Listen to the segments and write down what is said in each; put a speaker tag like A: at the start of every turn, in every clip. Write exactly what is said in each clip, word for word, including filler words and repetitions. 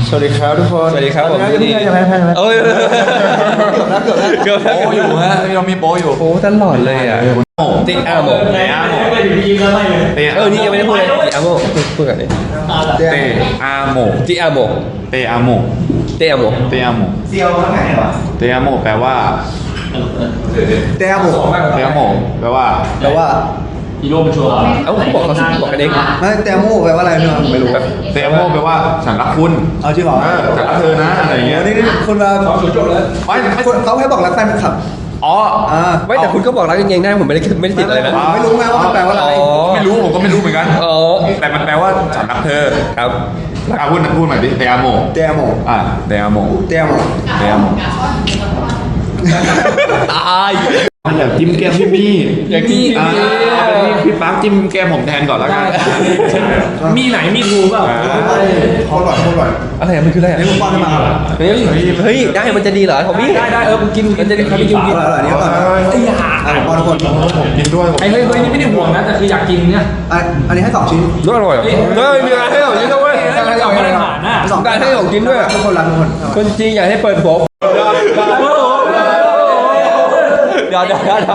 A: สวัสดีครับทุกคน
B: สวัสดีครับผม
A: นี่จะแพ้แพ้แพ้
B: เอ้ย
A: เกือบแล้วเกือบแล้วเกือบแล้ว
C: โป๊อยู่ฮะเรามีโป๊อยู่
B: โอ้ตลอดเลยอ่ะติ๊กอาโม
C: เตะอาโม
B: เออนี่ยังไม่ได้พูดเลยติ๊กอาโมพูดกันเลย
C: เตะอาโม
B: ติ๊กอาโม
C: เตะอาโม
B: เตอาโม
C: เตะอาโม
A: เซียวข้างไหนวะ
C: เตะอาโมแปลว่า
A: เตะหมู
C: เตะอาโมแปลว่า
A: แปลว่า
B: เอ้าเขาบอกเขาบอกกันเอง
A: ไม่เตะหมูแปลว่าอะไรเนี่ยผมไม่รู้
C: เตะอาโมแปลว่าฉันรักคุณ
A: เอาจริงเหรอ
C: เออฉันรักเธอนะอะไรอย่างเงี้ย
A: นี่นี่คนมาสองศูนย์จบแล้ว
C: ไม่ไม่
A: คนเขาแค่บอกรักแฟนคลับ
C: อ๋อ
A: อ่า
B: ไม่แต่คุณก็บอกรักยังไงได้ผมไม่ได้ไม่ได้ติดอะไรนะ
A: ไม่รู้ไงว่ามันแปลว่าอะไร
B: อ๋อ
C: ไม่รู้ผมก็ไม่รู้เหมือนกัน
B: อ๋อ
C: แต่มันแปลว่าฉันรักเธอ
B: ครับ
C: อ่ะพูดพูดใหม่ดิเตะอาโม
A: เตะหมู
C: อ่ะเตะอาโม
A: เตะหมู
C: เตะอาโม
B: ตาย
C: มันอยากจิ้มแก้มพี่มี่
B: อยากจิ้ม
C: อ่า
B: พี่มี่
C: เอาเป็นพี่พี่ปั๊กจิ้มแก้มผมแทนก่อนแล้วกัน
D: มีไหนมีทูเปล่า
A: โคตรอร่อยโคตรอร่อย
B: อะไรอะมันคืออะไรอะ
A: นี่ผมป้อนให้มาอร่อย
B: เฮ้ยเฮ้ยได้มันจะดีเหรอทอมมี่
D: ได้ได้เออกินกินจะกินกินกิน
A: อร่อยนี่ก่อน
D: ไอ้ยา
A: อ่ะผมป้อนทุกคน
C: ผมกินด้วยผม
D: ไอ้เฮ้ยเฮ้ยนี่ไม่ได้ห่วงนะแต่คืออยากกินเนี่ย
A: อ่ะอันนี้ให้สองชิ้น
B: รสอร่อยเหรอเฮ้ยมีอะไรให้เรากินด้วย
D: อะไรเอามาตรฐานน่ะ
A: สอง
B: ได้ให้ของกินด้วย
A: ทุกคนรักทุกคน
B: คนจริงอยากให้เปิดผมเดี๋ยวเดี๋ยวเดี๋ยว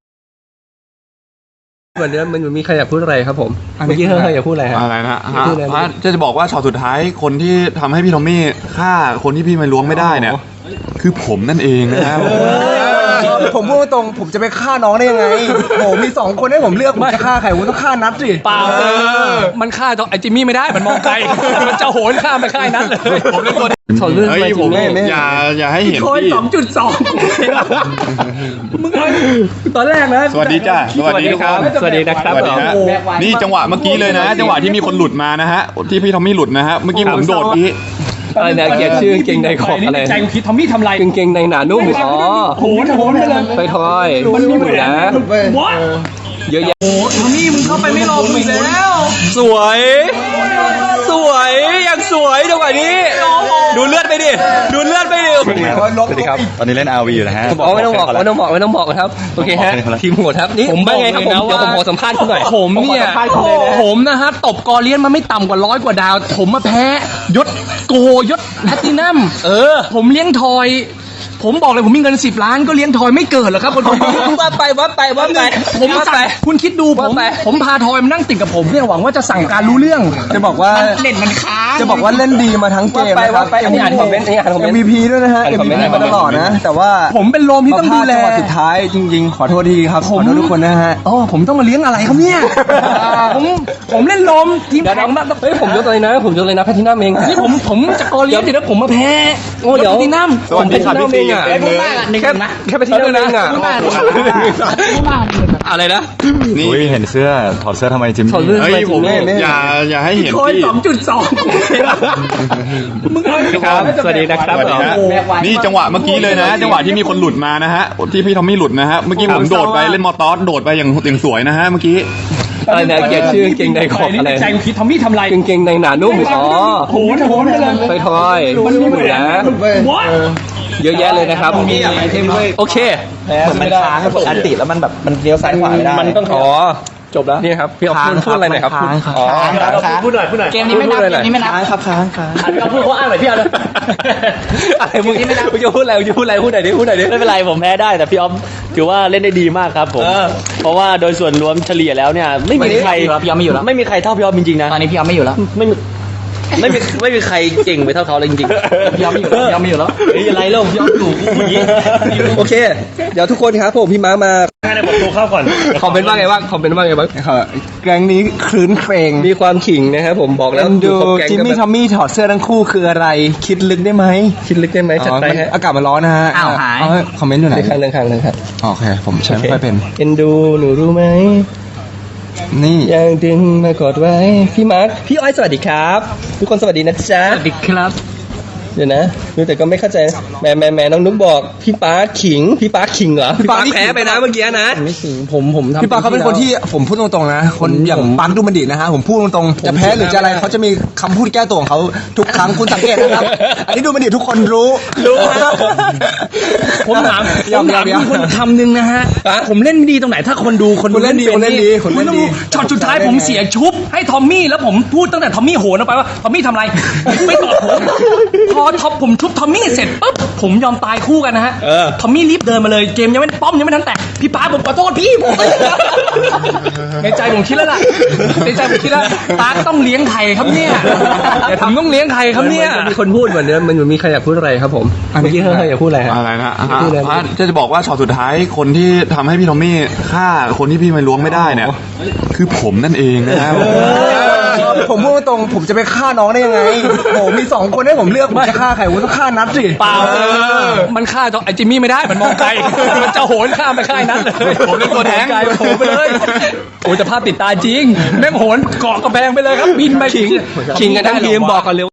B: วันนี้มันมีใครอยากพูดอะไรครับผมเมื่อกี้เฮ้ยอยากพูดอะไรฮะ
C: อะไรนะฮะ
B: พูดอะไรนะ
C: ฮะจะจะบอกว่าช็อตสุดท้ายคนที่ทำให้พี่ทอมมี่ฆ่าคนที่พี่ไม่ล้วงไม่ได้เนี่ยคือผมนั่นเองนะครับ
A: ผมพูดตรงผมจะไปฆ่าน้องได้ยังไงผมมีสองคนให้ผมเลือกผมจะฆ่าใครผมต้องฆ่านัทสิ
D: เปล่าเออมันฆ่าไอ้จิมมี่ไม่ได้มันมองไกลมันจะโหนข้ามไปฆ่าไอ้นัทเลย
C: ผมเป็นคน
B: ถอดเรื่อง
C: เฮ้
B: ไป
C: ย
B: จ
C: ผ
B: ริ
C: ม
B: งแม่แม่
C: อย่าอย่าให้เห็น
D: โคน
C: พี่
D: สองจุดสองมึงเอาตอนแรกนะ
C: สวัสดีจ้าสวัสดีทุกคน
B: สวัสดีนะครับ
C: สวัสดีฮะนี่จังหวะเมื่อกี้เลยนะ จังหวะที่มีคนหลุดมานะฮะที่พี่ทอมมี่หลุดนะฮะเมื่อกี้ผมโดดพี่
B: อะไรนะเกียรติชื่อกางเกงในขอบอะไร
D: ใจกูคิดทอมมี่ทำไร
B: กางเกงในหนานุ่มอ๋อ
D: โหนโหนไปเลย
B: ไปทอยมันมีเหมือนนะ
D: วะ
B: เยอะแยะ
D: โอ้ทอมมี่มึงเข้าไปไม่รอกูอีกแล้ว
B: สวย สวยอย่างสวยจังหวะนี้ ดูเลือดไปดิดูเลือดไปดิ
E: สวัสดีครับ ตอนนี้เล่น อาร์ วี อยู่นะฮะ
B: อ๋อไม่ต้องบอกไม่ต้องบอกไม่ต้องบอกครับโอเคฮะทีมโหดครับนี่ผมว่าไงครับผมเดี๋ยวผมขอสัมภาษณ์คุณหน่อย
D: ผมเนี่ย
B: ขอสัมภาษณ์คุณเลยนะ
D: ผมนะฮะตบกอเลียนมาไม่ต่ำกว่าร้อยกว่าดาว ผมมาแพ้ยศโกยศแพตตินัมเออ ผมเลี้ยงทอย ผมบอกเลยผมมีเงินสิบล้านก็เลี้ยงทอยไม่เกิดหรอกครับคนผม
B: ว่าไปว่าไปว่าไป
D: ผม
B: ว่า
D: สั่
B: ไป
D: งคุณคิดดูผม
B: ว่าไป
D: ผมพาทอยมานั่งติดกับผมเนี่ยหวังว่าจะสั่งการรู้เรื่อง
A: จะบอกว่า
D: เล่นมันค้าง
A: จะบอกว่าเล่นดีมาทั้งเก
B: ว่าม ไป
A: นะครั
B: ว่า
A: บ
B: ไปอันนี้อ่านคอมเมนต์อันนี้อ่านคอมเมน
A: เอ็ม
B: ต์
A: วี พี ด้วยนะฮะ
B: อ่าน
A: เอ็ม
B: คอม
A: วี
B: เมนต์
A: พีมาตลอดนะ แต่ว่า
D: ผมเป็นโรมที่ต้องดูแล
A: จังหวะสุดท้ายจริงๆ ขอโทษทีครับ ขอโทษทุกคนนะฮะ
D: อ๋อผมต้องมาเลี้ยงอะไรครับเนี่ย ผมผมเล่นโรมทีม
B: เดี๋ยว
D: แข่งมาก
B: เฮ้ยผมยกเลยนะผมยกเลยนะแพทตินัมเอง
D: นี่ผมผมจะกอเลียนเดี๋ยวผมมาแพ้
B: โอ้เดี๋ยว
D: แพตตินัม
C: สวัสดีครับพี่ซี
B: ผมเป็นที่นั่งเองอะ แค่แค่ไปที่นั่นเองอ่ะอะไรนะ
C: นี่
E: อุ้ยเห็นเสื้อ ถอดเสื้อทำไมจิม
B: ถอดเสื้อ
C: เฮ้ยผมอย่าอย่าให้เห็น
D: โคน
C: พี่
D: สองจุดสองมึงเอา
B: ครับสวัสดีนะครับ
C: สวัสดีฮะนี่จังหวะเมื่อกี้เลยนะ จังหวะที่มีคนหลุดมานะฮะที่พี่ทอมมี่หลุดนะฮะเมื่อกี้ผมโดดไปเล่นมอเตอร์โดดไปอย่างอย่างสวยนะฮะเมื่อกี้
B: อะไรนะเกียรติชื่อกางเกงในขอบอะไร
D: ใจกูคิดทอมมี่ทำไร
B: กางเกงในหนานุ่มอ๋อ
D: โหนโหนไปเลย
B: ไปทอย
D: มันมี
B: เหมือนนะ
D: วะ
B: เยอะแยะเลยนะครับโอเค
A: มันค้างปกติแล้วมันแบบมันเลี้ยวซ้ายขวาไม่ได้
B: มันต้องขอจบแล้วนี่ครับพี่ออฟพูดพูดอะไรหน่อยครับพูดอ๋อ
D: พูดหน่อยพูดหน่อยเกมนี้ไม่นับเกมนี้ไม่นับ
A: ค้างครับค้างค้าง
D: อันนี้พูดเขาอ่านหน่อยพี่เอาเลย
B: อะไรมึงมึงจะพูดอะไรมึงจะพูดอะไรพูดหน่อยดิพูดหน่อยดิ
F: ไม่เป็นไรผมแพ้ได้แต่พี่ออฟถือว่าเล่นได้ดีมากครับผม
B: เออ
F: เพราะว่าโดยส่วนรวมเฉลี่ยแล้วเนี่ยไม่มีใคร
D: พี่ออฟไม่อยู่แล้ว
F: ไม่มีใครเท่าพี่ออฟจริงๆนะ
D: ตอนนี้พี่ออฟไม่อยู่แล้ว
F: ไม่มีไม่มีไม่มีใครเก่งไปเท่าเขาเลยจริงๆ
D: พี่ออฟไม่อยู่แล้วพี่ออฟไม่อยู่แล้ว
F: เฮ้ยอะไรเล่าพี่ออฟอยู่เมื่อกี้
B: โอเค เดี๋ยวทุกคนครับผมพี่ม้ามา
F: ให้ผมตัวเข้าก่อน
B: คอมเมนต์ว่าไงบ้างคอมเมนต์ว่าไงบ้าง
A: แกงนี้คลื้นเครง
B: มีความขิงนะครับผมบอกแล้
A: เอ็
B: วน
A: ดู
B: ครบแก๊ง
A: จิม
B: ก็
A: มี่
B: แบบ
A: ทอมมี่ถอดเสื้อทั้งคู่คืออะไร คิดลึกได้ไหม
B: คิดลึกได้ไหมจัดไป
A: อ๋อมัน
B: ฮะ
A: อากาศมันร้อนนะฮะ
D: อ้าวหาย
A: เคอมเมนต์อยู่ไหน
B: เรื่องข้างเรื่องข้างเรื่องข้าง
A: โอเค ผมใช้ไม่ค่อยเป็น
B: เอ็นดูหนูรู้ไหม
A: นี่
B: ยังดึงมากอดไว้พี่มาร์คพี่อ้อยสวัสดีครับ ทุกคนสวัสดีนะจ๊ะ
D: สวัสดีครับ
F: เดี๋ยวนะแต่ก็ไม่เข้าใจแหมแหมแหมน้องนุ๊กบอกพี่ป๊าขิงพี่ป๊าขิงเหรอ
B: พี่ปาแพ้ไปนะเมื่อกี้นะ
F: ไม่ขิงผมผมทำ
A: พี่ปาเขาเป็นคนที่ผมพูดตรงๆนะ คนอย่างปังดูมันดีนะฮะผมพูดตรงๆจะแพ้หรือจะอะไรเขาจะมีคำพูดแก้ตัวของเขาทุกครั้งคุณสังเกตนะครับ อันนี้ดูมันดีทุกคนรู้
D: รู้ฮะผมถามผ
A: ยอ
D: ม
A: ม
D: ถาม
A: ยอม
D: คุณคนคำหนึ่งนะฮะผมเล่นไม่ดีตรงไหนถ้าคนดูคน
A: คุณเล่นดี
D: ป็
A: คุณเล่นดีคุณ
D: คุ
A: เล่
D: ณ
A: น
D: ต้อง
A: ดี
D: ช็อตสุดท้ายผมเสียชุบให้ทอมมี่แล้วผมพูดตั้งแต่ทอมมี่โหนออกไปว่าทอมมี่ทำอะไรไม่ตอบผมพอทอมผมชุบทอมมี่เสร็จปุ๊บผมยอมตายคู่กันนะฮะทอมมี่รีบเดินมาเลยเกมยังไม่ป้อมยังไม่ทันแตกพี่ป๊าผมขอโทษพี่ผมในใจผมคิดแล้วล่ะในใจผมคิดแล้วป๊าต้องเลี้ยงไข่ครับเนี่ยอย่าทำต้องเลี้ยงไข่ครับเนี่ย
F: มีคนพูดเหมือนเดิมมันเหมือนมีใครอยากพูดอะไรครับผมเมื่อกี้เฮ้ยอยากพูดอะไรฮะ
C: อะไรนะ
F: พูดอะไร
C: อ่ะจะจะบอกว่าช็อตสุดท้ายคนที่ทำให้พี่ทอมมี่ฆ่าคนที่พี่ไม่ล้วงไม่ได้เนี่ย คือผมนั่นเองนะครับ
A: ผมพูดตรงๆผมจะไปฆ่าน้องได้ยังไงโหมีสองคนให้ผมเลือกผมจะฆ่าใครผมต้องฆ่านัดสิ
D: เปล่ามันฆ่าไอ้จิมมี่ไม่ได้ มันมองไกล มันจะโหนข้ามไปฆ่าไอ้นั้นเลย
C: ผมเล่นตัวแทง
D: ไกลโหนไปเลย โอ้ยแต่ภาพติดตาจริง แม่งโหนเกาะกระแพงไปเลยครับ บินไป
F: ขิงขิงกันทั้งทีมบอกกันเลย